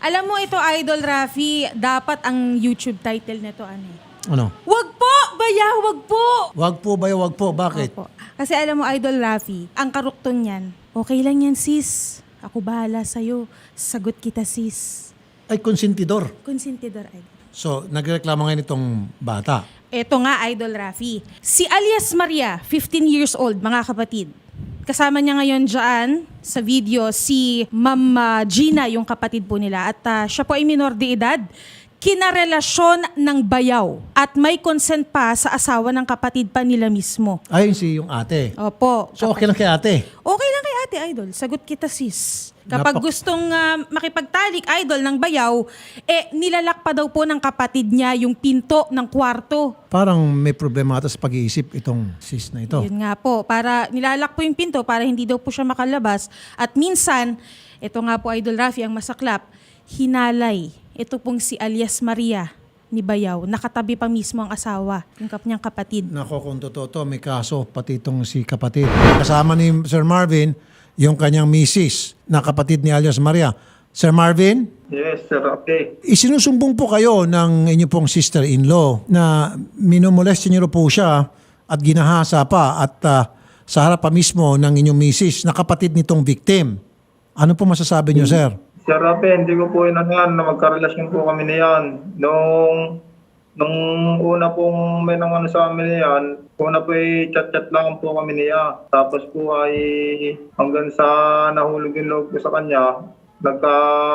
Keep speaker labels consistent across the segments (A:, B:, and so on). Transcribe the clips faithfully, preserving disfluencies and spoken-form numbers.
A: Alam mo ito, Idol Rafi, dapat ang YouTube title nito ano eh?
B: Ano?
A: Wag po! Baya, wag po!
B: Wag po ba, wag po. Bakit?
A: Opo. Kasi alam mo, Idol Rafi, ang karukton niyan, okay lang yan, sis. Ako bahala sa'yo. Sagot kita, sis.
B: Ay, konsentidor.
A: Konsentidor, Idol.
B: So, nagreklamo ngayon itong bata.
A: Eto nga, Idol Rafi. Si alias Maria, fifteen years old, mga kapatid. Kasama niya ngayon dyan sa video si Ma'am uh, Gina, yung kapatid po nila. At uh, siya po ay minor de edad. Kinarelasyon ng bayaw. At may consent pa sa asawa ng kapatid pa nila mismo.
B: Ayun si yung ate.
A: Opo.
B: So, okay lang kay ate.
A: Okay lang kay ate, Idol. Sagot kita, sis. Kapag
B: Napak-
A: gustong uh, makipagtalik, Idol, ng bayaw, eh, nilalak pa daw po ng kapatid niya yung pinto ng kwarto.
B: Parang may problema ata sa pag-iisip itong sis na ito.
A: Yun nga po, para nilalak po yung pinto para hindi daw po siya makalabas. At minsan, ito nga po, Idol Rafi, ang masaklap, hinalay. Ito pong si alias Maria ni Bayaw. Nakatabi pa mismo ang asawa, yung kanyang kapatid.
B: Nako, kung totoo to, may kaso, pati itong si kapatid. Kasama ni Sir Marvin, yung kanyang misis na kapatid ni alias Maria. Sir Marvin?
C: Yes, sir. Okay.
B: Isinusumbong po kayo ng inyo pong sister-in-law na minumolest niyo po siya at ginahasa pa at uh, sa harap pa mismo ng inyong misis na kapatid nitong victim. Ano po masasabi niyo, sir?
C: Sir Rafi, hindi ko po inanyan na magkarelasyon po kami niyan. Nung, nung una pong may nang ano sa amin niyan, una po ay chat-chat lang po kami niya. Tapos po ay hanggang sa nahulog yung loob ko sa kanya, nagka,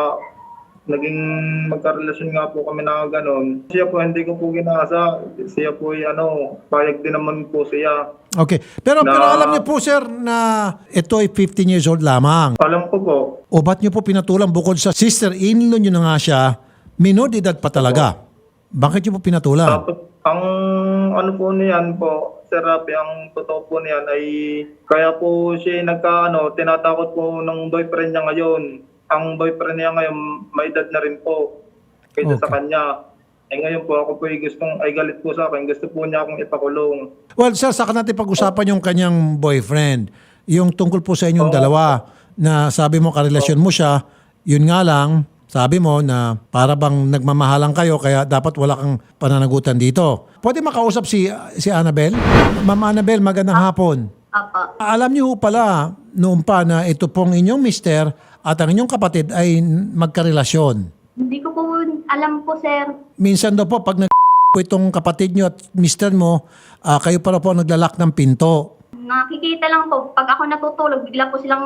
C: naging magkarelasyon nga po kami na gano'n. Siya po hindi ko po ginasa. Siya po ay ano, payag din naman po siya.
B: Okay. Pero,
C: Na-
B: pero alam niyo po, sir, na ito ay fifteen years old lamang.
C: Alam ko po.
B: O ba't niyo po pinatulang bukod sa sister-in-law niyo na nga siya, minor de edad pa talaga? Bakit niyo po pinatulang?
C: Tapos, ang ano po niyan po, Sir Rafi, ang totoo po niyan ay kaya po siya nagkaano, tinatakot po ng boyfriend niya ngayon. Ang boyfriend niya ngayon, may edad na rin po kaysa sa
B: Okay.
C: kanya. Eh ngayon po, ako po ay gustong, ay galit po sa akin. Gusto po niya akong ipakulong.
B: Well, sir, saka natin pag-usapan yung kanyang boyfriend. Yung tungkol po sa inyong dalawa na sabi mo karelasyon mo siya, yun nga lang, sabi mo na para bang nagmamahalan kayo kaya dapat wala kang pananagutan dito. Pwede makausap si si Annabel? Ma'am Annabel, magandang hapon.
D: Opo.
B: Alam niyo ho pala noon pa na ito pong inyong mister at ang inyong kapatid ay magkarelasyon.
D: Hindi ko po alam po, sir.
B: Minsan daw po pag nag itong kapatid niyo at mister mo, ah, kayo para po naglalak ng pinto.
D: Nakikita lang po, pag ako natutulog, bigla po silang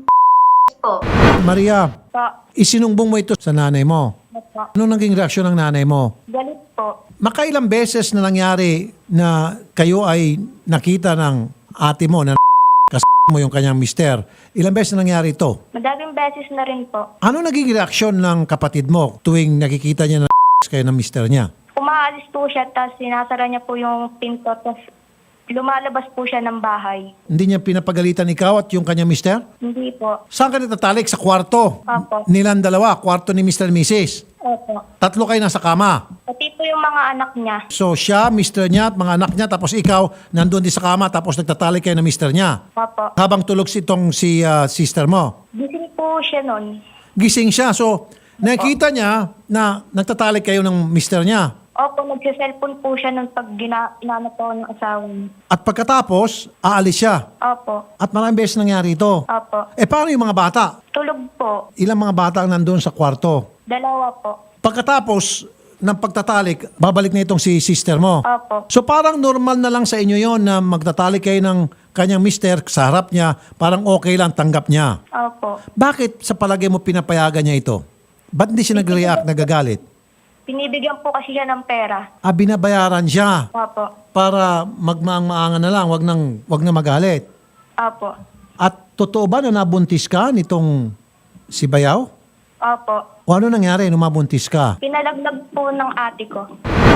D: po.
B: Maria,
D: Po.
B: isinumbong mo ito sa nanay mo.
D: Po.
B: Ano naging reaksyon ng nanay mo?
D: Galit po.
B: Makailang beses na nangyari na kayo ay nakita ng ate mo na kas mo yung kanyang mister. Ilang beses na nangyari ito?
D: Madaming beses na rin po.
B: Ano naging reaksyon ng kapatid mo tuwing nakikita niya na kayo ng mister niya?
D: Umaalis po siya, tapos sinasara niya po yung pinto, tapos lumalabas po siya ng bahay.
B: Hindi niya pinapagalitan ikaw at yung kanyang mister?
D: Hindi po.
B: Saan ka natatalik? Sa kwarto?
D: Opo.
B: Nilang dalawa, kwarto ni mister and missus
D: Opo.
B: Tatlo kayo nasa kama.
D: Pati po yung mga anak niya.
B: So siya, mister niya at mga anak niya, tapos ikaw, nandun din sa kama, tapos nagtatalik kayo ng mister niya.
D: Opo.
B: Habang tulog si itong si ah, sister mo.
D: Gising po siya nun.
B: Gising siya. So, nakita niya na nagtatalik kayo ng mister niya.
D: Opo, nagsiselfon po siya nun pag gina- inano po ng asawa niya.
B: At pagkatapos, aalis siya.
D: Opo.
B: At maraming beses nangyari ito.
D: Opo.
B: Eh, paano yung mga bata?
D: Tulog po.
B: Ilang mga bata ang nandun sa kwarto?
D: Dalawa po.
B: Pagkatapos ng pagtatalik, babalik na itong si sister mo.
D: Opo.
B: So parang normal na lang sa inyo yon na magtatalik kayo ng kanyang mister sa harap niya, parang okay lang, tanggap niya.
D: Opo.
B: Bakit sa palagay mo pinapayagan niya ito? Ba't hindi siya nag-react, nagagalit?
D: Binibigyan po kasi siya ng pera.
B: Ah, binabayaran siya
D: Opo.
B: para magmaang-maangan na lang, wag, nang, wag na magalit.
D: Opo.
B: At totoo ba na nabuntis ka nitong si Bayaw?
D: Opo.
B: O ano nangyari nung mabuntis ka?
D: Pinalaglag po ng ate ko.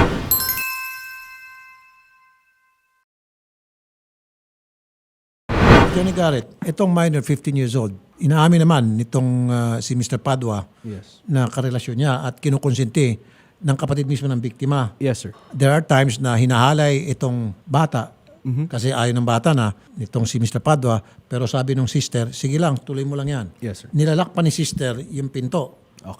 B: Johnny Garrett, itong minor, fifteen years old, inaamin naman nitong ah, si mister Padua
E: Yes.
B: na karelasyon niya at kinukonsinti ng kapatid mismo ng biktima.
E: Yes, sir.
B: There are times na hinahalay itong bata kasi ayaw ng bata na nitong si mister Padua, pero sabi ng sister, sige lang, tuloy mo lang yan.
E: Yes, sir.
B: Nilalak pa ni sister yung pinto.
E: Okay.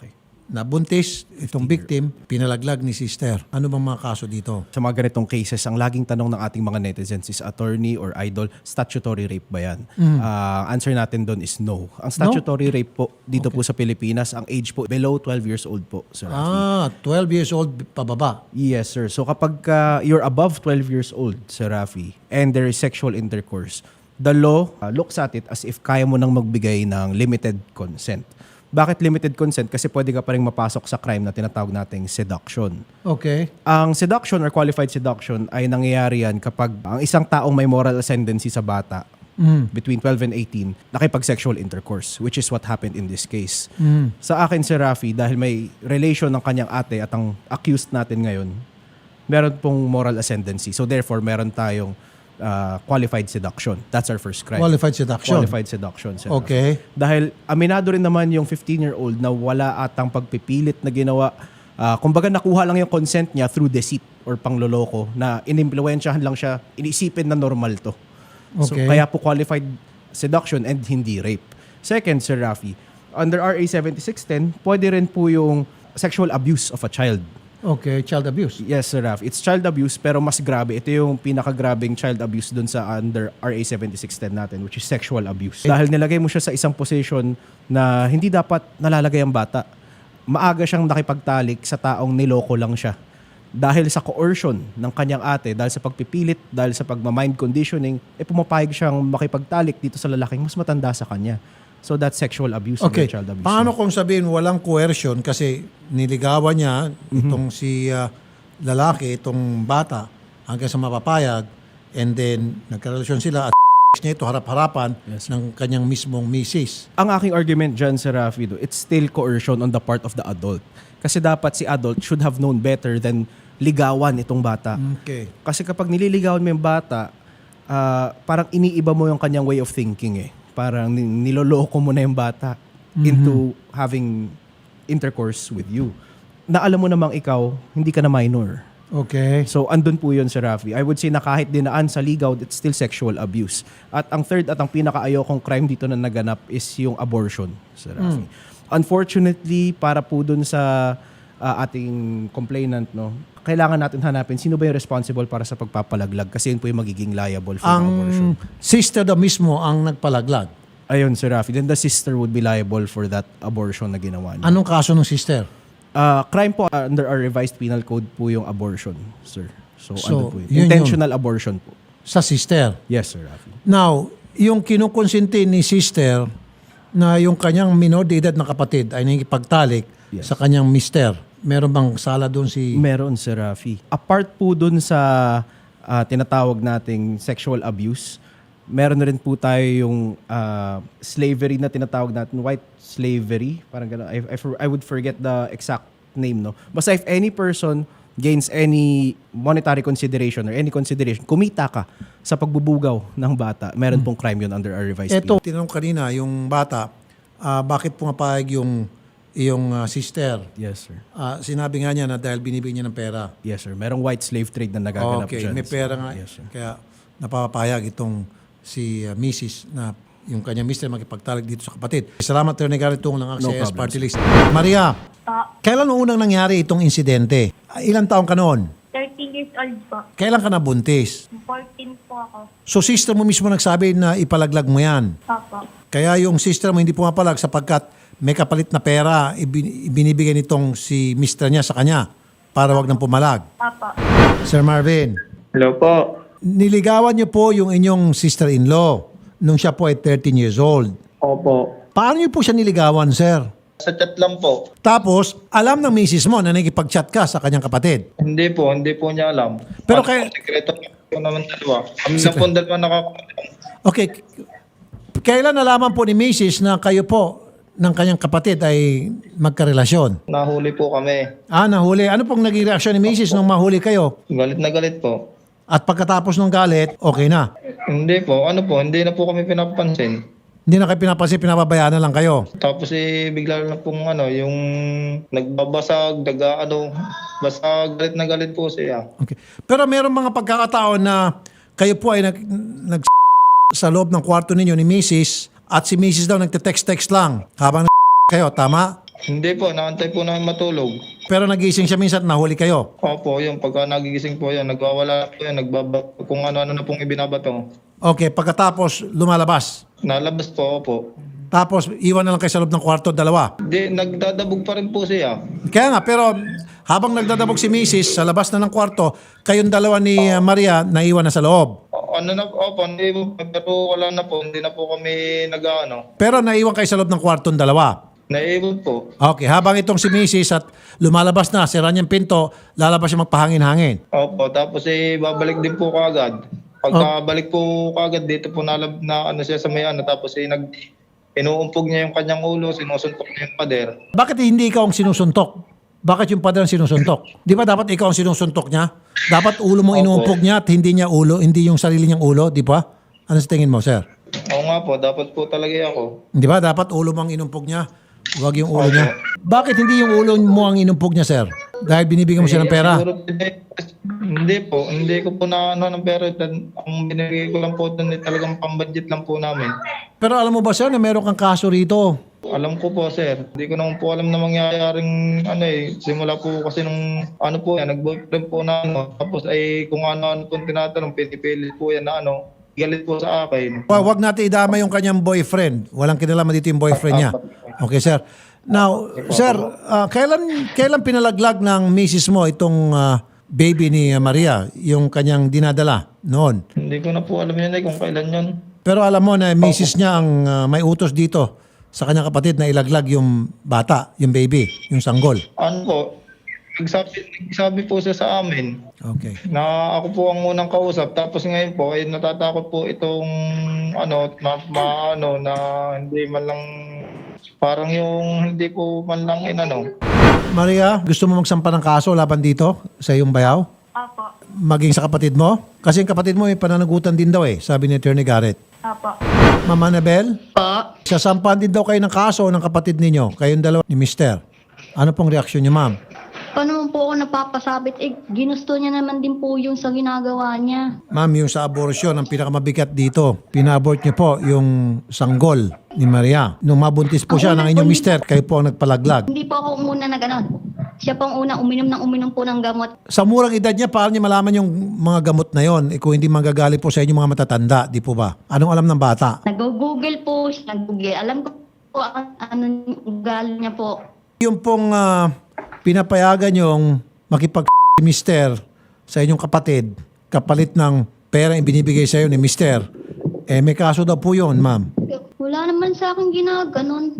B: nabuntis itong victim, pinalaglag ni sister. Ano bang mga kaso dito?
E: Sa mga ganitong cases, ang laging tanong ng ating mga netizens is attorney or idol, statutory rape ba yan? Ah, answer natin doon is no. Ang statutory rape po dito po sa Pilipinas, ang age po below twelve years old po, Sir Rafi.
B: Ah, twelve years old pababa.
E: Yes, sir. So kapag uh, you're above twelve years old, Sir Rafi, and there is sexual intercourse, the law uh, looks at it as if kaya mo nang magbigay ng limited consent. Bakit limited consent? Kasi pwede ka pa rin mapasok sa crime na tinatawag nating seduction.
B: Okay.
E: Ang seduction or qualified seduction ay nangyayari yan kapag ang isang taong may moral ascendancy sa bata between twelve and eighteen nakipag-sexual intercourse, which is what happened in this case. Sa akin, Sir Rafi, dahil may relation ng kanyang ate at ang accused natin ngayon, meron pong moral ascendancy. So therefore, meron tayong uh, qualified seduction. That's our first crime.
B: Qualified seduction.
E: Qualified seduction, Sir Rafi.
B: Okay.
E: Dahil aminado rin naman yung fifteen-year-old na wala atang pagpipilit na ginawa. Uh, kumbaga nakuha lang yung consent niya through deceit or pangloloko na inimpluwensyahan lang siya, inisipin na normal to. So
B: Okay.
E: kaya po qualified seduction and hindi rape. Second, Sir Rafi, under R A seventy-six ten, pwede rin po yung sexual abuse of a child.
B: Okay, child abuse.
E: Yes, Sir Raf. It's child abuse pero mas grabe. Ito yung pinakagrabing child abuse dun sa under R A seventy-six ten natin, which is sexual abuse. Dahil nilagay mo siya sa isang position na hindi dapat nalalagay ang bata. Maaga siyang nakipagtalik sa taong niloko lang siya. Dahil sa coercion ng kanyang ate, dahil sa pagpipilit, dahil sa pagmamind conditioning, eh pumapayag siyang makipagtalik dito sa lalaking mas matanda sa kanya. So that's sexual abuse
B: Okay.
E: and child abuse.
B: Paano kung sabihin walang coercion kasi niligawan niya itong si ah, lalaki, itong bata hanggang sa mapapayag and then nagkarelasyon sila at niya ito harap-harapan
E: Yes.
B: ng kanyang mismong misis.
E: Ang aking argument dyan, Sir Rafi, it's still coercion on the part of the adult. Kasi dapat si adult should have known better than ligawan itong bata.
B: Okay.
E: Kasi kapag nililigawan mo yung bata, ah, parang iniiba mo yung kanyang way of thinking eh. Parang ni- niloloko mo na yung bata into having intercourse with you. Na alam mo namang ikaw, hindi ka na minor.
B: Okay.
E: So, andun po yun, Sir Rafi. I would say na kahit dinaan sa ligaw, it's still sexual abuse. At ang third at ang pinaka-ayokong crime dito na naganap is yung abortion, Sir Rafi. Unfortunately, para po dun sa uh, ating complainant, no, kailangan natin hanapin sino ba yung responsible para sa pagpapalaglag kasi yun po yung magiging liable for the abortion.
B: Ang sister daw mismo ang nagpalaglag.
E: Ayun, Sir Rafi. Then the sister would be liable for that abortion na ginawa niya.
B: Anong kaso ng sister?
E: Uh, crime po uh, under our revised penal code po yung abortion, sir. So,
B: So,
E: ano po yun?
B: yun
E: Intentional abortion po.
B: Sa sister.
E: Yes, Sir Rafi.
B: Now, yung kinukonsinti ni sister na yung kanyang minor de edad na kapatid ay nakikipagtalik
E: Yes.
B: sa kanyang mister. Meron bang sala doon si...
E: Meron, Sir Rafi. Apart po dun sa ah, tinatawag nating sexual abuse, meron na rin po tayo yung ah, slavery na tinatawag natin, white slavery. Parang gano'n. I, I, for- I would forget the exact name, no? Basta if any person gains any monetary consideration or any consideration, kumita ka sa pagbubugaw ng bata, meron pong crime yun under our revised
B: Eto,
E: penal.
B: tinanong kanina, yung bata, ah, bakit pumapayag yung, yung ah, sister?
E: Yes, sir.
B: Ah, sinabi nga niya na dahil binibigyan niya ng pera.
E: Yes, sir. Merong white slave trade na nagaganap
B: Okay,
E: dyan.
B: may pera nga.
E: Yes, sir.
B: Kaya napapayag itong si uh, Missus na yung kanyang mister makipagtalik dito sa kapatid. Salamat, Attorney Garrett Tung ng
E: No
B: A C S
E: problem,
B: Party List. Maria,
D: Pa,
B: kailan unang nangyari itong insidente? Ah, Ilang taong ka noon?
D: thirteen years old po.
B: Kailan ka nabuntis?
D: fourteen po ako.
B: So sister mo mismo nagsabi na ipalaglag mo yan.
D: Papa.
B: Kaya yung sister mo hindi pumapalag sapagkat may kapalit na pera ibin- ibinibigay nitong si mister niya sa kanya para wag nang pumalag.
D: Papa.
B: Sir Marvin,
C: Hello po.
B: niligawan niyo po yung inyong sister-in-law nung siya po ay thirteen years old.
C: Opo.
B: Paano niyo po siya niligawan, sir?
C: Sa chat lang po.
B: Tapos, alam ng misis mo na nakikipag-chat ka sa kanyang kapatid.
C: Hindi po, hindi po niya alam.
B: Pero
C: Ano
B: kay-
C: po, sekreto po naman dalawa. Kami na po dalawa nakakaalam.
B: Okay, k- kailan nalaman po ni misis na kayo po ng kanyang kapatid ay magkarelasyon?
C: Nahuli po kami.
B: Ah, nahuli. Ano pong naging reaksyon ni misis nung mahuli kayo?
C: Galit na galit po.
B: At pagkatapos ng galit, okay na.
C: Hindi po, ano po, hindi na po kami pinapansin.
B: Hindi na kayo pinapansin, pinababayaan na lang kayo.
C: Tapos eh, bigla lang pong ano, yung nagbabasag, daga, ano, basta galit na galit po siya.
B: Okay. Pero meron mga pagkakataon na kayo po ay nag, nag sa loob ng kwarto ninyo ni misis at si misis daw nagte-text-text lang habang kayo, tama?
C: Hindi po, naantay po namin matulog.
B: Pero nagising siya minsan at nahuli kayo.
C: Opo, yung pagka nagigising po yan, nagwawala po yan, nagbaba, kung ano-ano na pong ibinabato.
B: Okay, pagkatapos lumalabas.
C: Nalabas po, opo.
B: Tapos iwan na lang kayo sa loob ng kwarto, dalawa.
C: Di, nagdadabog pa rin po siya.
B: Kaya nga, pero habang nagdadabog si Missus sa labas na ng kwarto, kayong dalawa ni uh, Maria naiwan na sa loob.
C: O, ano na, opo, hindi po, pero wala na po, hindi na po kami nag-ano.
B: Pero naiwan kayo sa loob ng kwarto dalawa.
C: Naiwan po.
B: Okay, habang itong si Missus at lumalabas na, sira niyang pinto, lalabas siya magpahangin-hangin.
C: Opo, tapos eh, babalik din po kagad. Pagkabalik po kagad, dito po nalab na ano siya sa may ano, tapos eh, nag, inuumpog niya yung kanyang ulo, sinusuntok niya yung pader.
B: Bakit hindi ikaw ang sinusuntok? Bakit yung pader ang sinusuntok? Di ba dapat ikaw ang sinusuntok niya? Dapat ulo mong
C: Opo.
B: inuumpog niya at hindi niya ulo, hindi yung sarili niyang ulo, di ba? Ano sa tingin mo, sir?
C: Oo nga po, dapat po talaga ako.
B: Di ba dapat ulo mong inumpog niya? Huwag yung ulo niya. Bakit hindi yung ulo mo ang inumpog niya, sir? Dahil binibigyan mo siya ng pera.
C: Siguro, hindi, hindi po, hindi ko po na ano ng pera. Ang binigay ko lang po doon eh, talagang pambudget lang po namin.
B: Pero alam mo ba, sir, na meron kang kaso rito?
C: Alam ko po, sir. Hindi ko naman po alam na mangyayaring ano eh. Simula po kasi nung ano po yan, nag-boyfriend po na ano. Tapos ay kung ano-ano pong tinatanong, pinipilit po yan na ano. Galit po sa akin.
B: Wa- Huwag natin idama yung kanyang boyfriend. Walang kinalaman dito yung boyfriend niya. Okay, sir. Now, sir, ah, kailan kailan pinalaglag ng misis mo itong ah, baby ni ah, Maria, yung kanyang dinadala noon?
C: Hindi ko na po alam yun eh kung kailan yun.
B: Pero alam mo na misis niya ang ah, may utos dito sa kanyang kapatid na ilaglag yung bata, yung baby, yung sanggol.
C: Ano po, nagsabi, nagsabi po siya sa amin
B: Okay.
C: na ako po ang unang kausap. Tapos ngayon po, ay natatakot po itong ano, ma, ma- ano na hindi man lang, parang yung hindi po man lang inano.
B: Maria, gusto mo magsampa ng kaso laban dito sa iyong bayaw?
D: Opo.
B: Maging sa kapatid mo? Kasi yung kapatid mo may pananagutan din daw eh, sabi ni Attorney Garrett.
D: Opo.
B: Mama Anabel?
F: Po.
B: Sasampahan din daw kayo ng kaso ng kapatid ninyo, kayong dalawa ni Mister. Ano pong reaksyon niyo, ma'am?
F: Paano naman po ako napapasabit? Eh, ginusto niya naman din po yung sa ginagawa niya.
B: Ma'am, yung sa abortion, ang pinakamabigat dito, pina-abort niyo po yung sanggol ni Maria. Nung mabuntis po
F: Ang
B: siya
F: una
B: ng
F: po,
B: inyong
F: hindi-
B: mister, kayo po ang nagpalaglag.
F: Hindi po ako ang una na gano'n. Siya po ang unang uminom ng uminom po ng gamot.
B: Sa murang edad niya, paano niya malaman yung mga gamot na yon? Eh, kung hindi manggagaling po sa inyo mga matatanda, di po ba? Anong alam ng bata?
F: Nag-google po siya. Nag-google. Alam ko po ang ano yung ugali niya po.
B: Yung pong ah, pinapayagan yung makipag mister sa inyong kapatid, kapalit ng pera yung binibigay sa iyo ni mister, eh may kaso daw po yun, ma'am.
F: Wala naman sa akin ginaganon.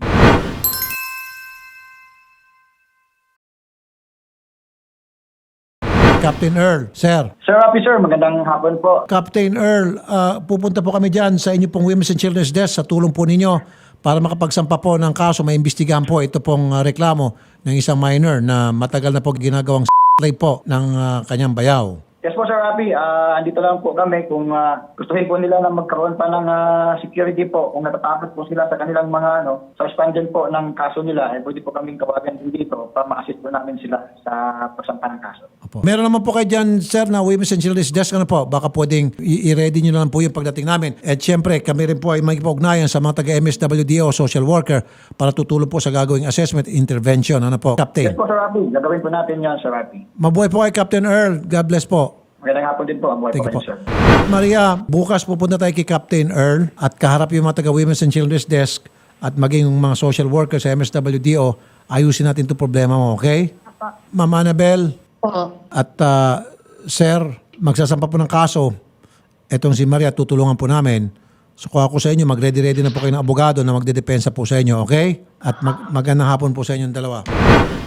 B: Captain Earl, sir.
G: Sir Rapi, sir, magandang hapon po.
B: Captain Earl, ah, pupunta po kami dyan sa inyo pong Women's and Children's Desk sa tulong po ninyo para makapagsampa po ng kaso, maimbestigahan po ito pong ah, reklamo ng isang minor na matagal na po ginagawang rape po ng ah, kanyang bayaw.
G: Yes po, Sir Rapi. Ah, andito lang po kami kung uh, gustuhin po nila na magkaroon pa ng ah, security po. Kung natatakot po sila sa kanilang mga ano, sa expansion po ng kaso nila, eh, pwede po kaming kawagan din dito para ma-assist po namin sila sa pagsampa ng kaso.
B: Opo. Meron naman po kayo dyan, sir, na Women's and Children's Desk. Ano po? Baka pwedeng i- i-ready nyo na lang po yung pagdating namin. At syempre, kami rin po ay magpag-ugnayan sa mga taga-M S W D O, social worker, para tutulong po sa gagawing assessment intervention. Ano po, Captain?
G: Yes po, Sir Rapi. Gagawin po natin yan, Sir Rapi.
B: Mabuhay po kay Captain Earl. God bless po.
G: Magandang hapon din po. Ang buhay
B: Thank
G: po
B: you
G: kayo,
B: po.
G: sir.
B: Maria, bukas pupunta tayo kay Captain Earl at kaharap yung mga taga-Women's and Children's Desk at maging yung mga social workers sa M S W D O, ayusin natin itong problema mo, okay? Mama Annabel
F: Po.
B: at ah, Sir, magsasampa po ng kaso. Etong si Maria, tutulungan po namin. So kung ako sa inyo, mag-ready-ready na po kayo ng abogado na magdedepensa po sa inyo, okay? At mag magandang hapon po sa inyong dalawa.